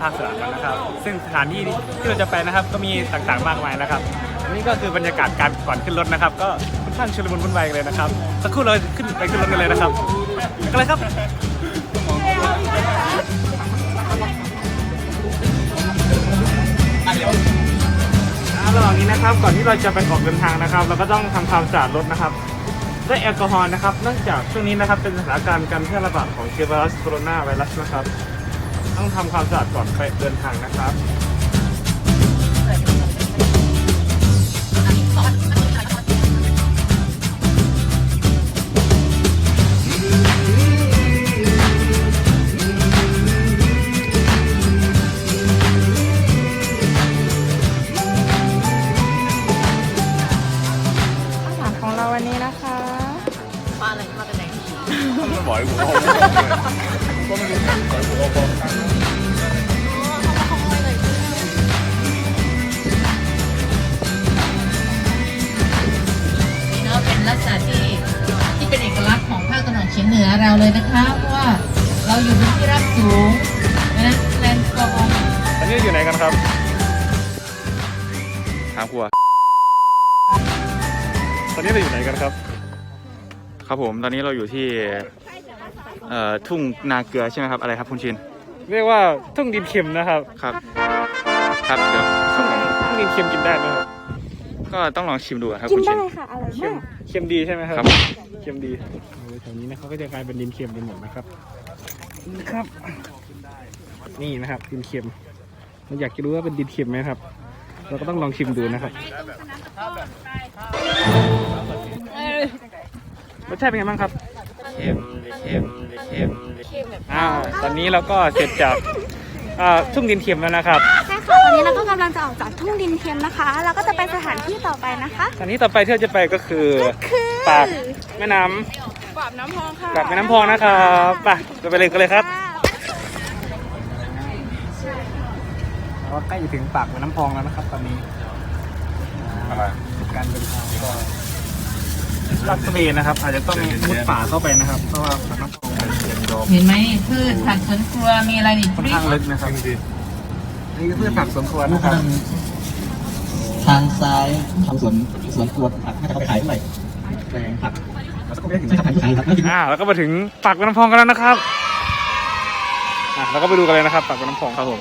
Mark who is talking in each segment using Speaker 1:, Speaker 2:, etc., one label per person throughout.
Speaker 1: าคสนามกันนะครับซึ่งสถานที่ที่เราจะไปนะครับก็มีต่างๆมากมายนะครับอันนี้ก็คือบรรยากาศการก่อนขึ้นรถนะครับก็ค่อนข้างชุลมุนวุ่นวายเลยนะครับสักครู่เราขึ้นรถกันเลยนะครับกันเลยครับระหว่างนี้นะครับก่อนที่เราจะไปออกเดินทางนะครับเราก็ต้องทำความสะอาดรถนะครับด้วยแอลกอฮอล์นะครับเนื่องจากช่วงนี้นะครับเป็นสถานการณ์การแพร่ระบาดของเชื้อไวรัสโคโรนาไวรัสนะครับต้องทำความสะอาดก่อนไปเดินทางนะครับ
Speaker 2: วันนี้นะคะมาอะไรมาแต่ไหน
Speaker 1: ไม่บอกให้ผมเอาก็ไม่รู้
Speaker 3: นี่เนาะเป็นลักษณะที่เป็นเอกลักษณ์ของภาคตะวันออกเฉียงเหนือเราเลยนะคะเพราะว่าเราอยู่บนที่ราบสูงนะแลนด์สกอร์
Speaker 1: อันนี้อยู่ไหนกันครับถามครัวตอนนี้เราอยู่ไหนกันครับครับผมตอนนี้เราอยู่ที่ทุ่งนาเกลือใช่ไหมครับอะไรครับคุณชินเรียกว่าทุ่งดินเค็มนะครับครับครับเดี๋ยวทุ่งดินเค็มกินได้ไหมครับก็ต้องลองชิมดูครับคุณชินกินได้ค่ะอร่อยมากเค็มดีใช่ไหมครับเค็มดีแถวนี้นะเขาก็จะกลายเป็นดินเค็มไปหมดนะครับครับนี่นะครับดินเค็มเราอยากจะรู้ว่าเป็นดินเค็มไหมครับเราก็ต้องลองชิมดูนะครับรสชาติเป็นไงบ้างครับเค็มตอนนี้เราก็เสร็จจากทุ่งดินเค็มแล้วนะครับ
Speaker 2: ใช่ค่ะตอนนี้เราก็กำลังจะออกจากทุ่งดินเค็มนะคะเราก็จะไปสถานที่ต่อไปนะคะ
Speaker 1: สถานที่ต่อไปที่เราจะไปก็คือปากแม่น้ำ
Speaker 2: ปากน้ำพองค่ะ
Speaker 1: ปากแม่น้ำพองนะครับไปเลยกันเลยครับเราใกล้จะถึงปากแม่น้ำพองแล้วนะครับตอนนี้การเดินทางก็ลาดตระเวนนะครับอาจจะต้องมุดป่าเข้าไปนะครับเพราะว่าปากน้ำพอง
Speaker 3: เห็นไหมพืชผักสวนครัวมีอะไรอีก
Speaker 1: ค่อนข้างลึกนะครับนี่คือพืชผักสวนครัวนะครับ
Speaker 4: ทางซ้ายทำสวนครัวผักให้เขาขายเท่าไหร่แปลงผักแล้วก็ไปถึงที่ขายครับ
Speaker 1: แล้วก็มาถึงปากแม่น้ำพองกันแล้วนะครับเราก็ไปดูกันเลยนะครับปากแม่น้ำพองครับผม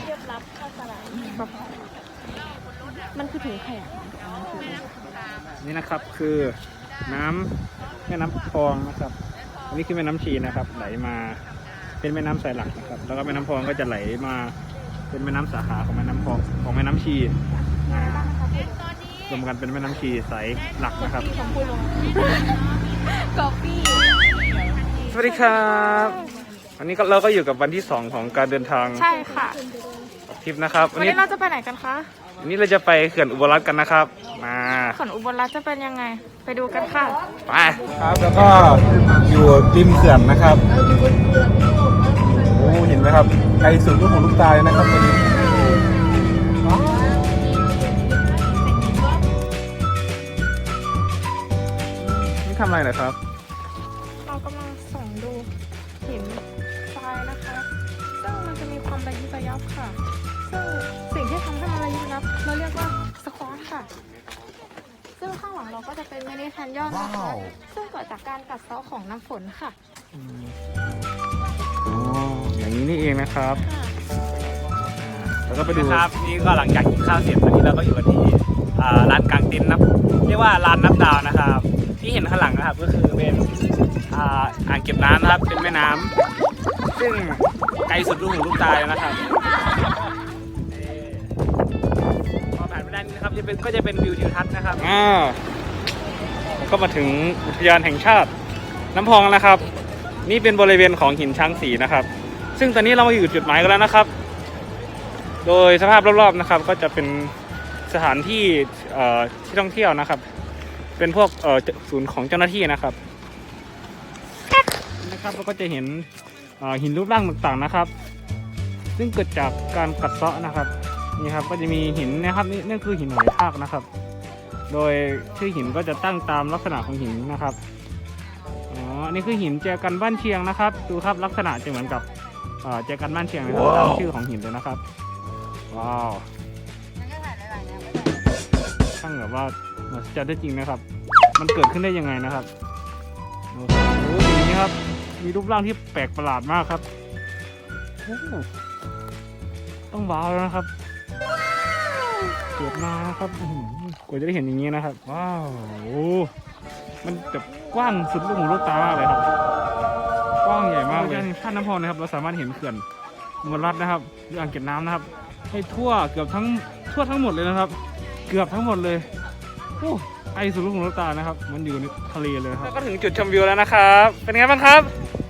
Speaker 2: มันคือถุงขยะ
Speaker 1: นี่นะครับคือน้ำแม่น้ำพองนะครับอันนี้คือแม่น้ำชีนะครับไหลมาเป็นแม่น้ำสายหลักนะครับแล้วก็แม่น้ำพองก็จะไหลมาเป็นแม่น้ำสาขาของแม่น้ำพองของแม่น้ำชีรวมกันเป็นแม่น้ำชีสายหลักนะครับ
Speaker 2: กาแฟ
Speaker 1: สวัสดีครับวันนี้เราก็อยู่กับวันที่2ของการเดินทาง
Speaker 2: ใช่ค่ะ
Speaker 1: ทริปนะครับ
Speaker 2: วันนี้เราจะไปไหนกันคะ
Speaker 1: วันนี้เราจะไปเขื่อนอุบลรัตน์กันนะครับมา
Speaker 2: เขื่อนอุบลรัตน์จะเป็นยังไงไปดูกันค่ะ
Speaker 1: ไปครับแล้วก็อยู่ริมเขื่อนนะครับโอ้เห็นไหมครับไกลสุดลูกหูลูกตาเลยนะครับนี่ทำอะไรนะครับ
Speaker 2: เรากำลังส่องดูหินทรายนะคะซึ่งมันจะมีความระยิบระยับค่ะซึ่งสิ่งที่ทำให้มันระยิบระยับเราเรียกว่าสควอตค่ะซึ่งข้างหลังเราก็จะเป็นมินิแคนยอนนะคะซึ่งเกิดจากการกัดเซาะของน้ำฝนค่ะ
Speaker 1: อย่างนี้นี่เองนะครับแล้วก็ไปดูครับนี่ก็หลังจากกินข้าวเสร็จวันนี้เราก็อยู่กันที่ร้านกลางเต็นท์นะเรียกว่าร้านนับดาวนะครับที่เห็นข้างหลังนะครับก็คือเป็นอ่างเก็บน้ำนะครับเป็นแม่น้ำซึ่งไกลสุดลูกหูลูกตาเลยนะครับพอผ่านไปด้านนี้นะครับก็จะเป็นวิวทิวทัศน์นะครับแล้วก็มาถึงอุทยานแห่งชาติน้ำพองนะครับนี่เป็นบริเวณของหินช้างศรีนะครับซึ่งตอนนี้เรามาอยู่จุดหมายกันแล้วนะครับโดยสภาพรอบๆนะครับก็จะเป็นสถานที่ที่ท่องเที่ยวนะครับเป็นพวกศูนย์ของเจ้าหน้าที่นะครับเราก็จะเห็นหินรูปร่างต่างๆนะครับซึ่งเกิดจากการกัดเซาะนะครับนี่ครับก็จะมีหินนะครับนี่คือหินหอยทากนะครับโดยชื่อหินก็จะตั้งตามลักษณะของหินนะครับนี่คือหินแจกันบ้านเชียงนะครับดูครับลักษณะจะเหมือนกับแจกันบ้านเชียงนะครับตามชื่อของหินเลยนะครับว้าวช่างแบบว่าจะได้จริงนะครับ มันเกิดขึ้นได้ยังไงนะครับโอ้โหอย่างนี้ครับมีรูปร่างที่แปลกประหลาดมากครับโอ้โหต้องว้าวแล้วนะครับเกิดมานะครับอื้อหือกว่าจะได้เห็นอย่างนี้นะครับว้าวโอ้มันแบบกว้างสุดลูกหูลูกตามากเลยครับกว้างใหญ่มากเลยท่าน้ำพองนะครับเราสามารถเห็นเขื่อนอุบลรัตน์นะครับหรืออ่างเก็บน้ำนะครับให้ทั่วทั้งหมดเลยนะครับ เกือบทั้งหมดเลยโอ้ไอสุดลูกหูลูกตานะครับมันอยู่ในทะเลเลยครับแล้วก็ถึงจุดชมวิวแล้วนะครับเป็นไงบ้างครับ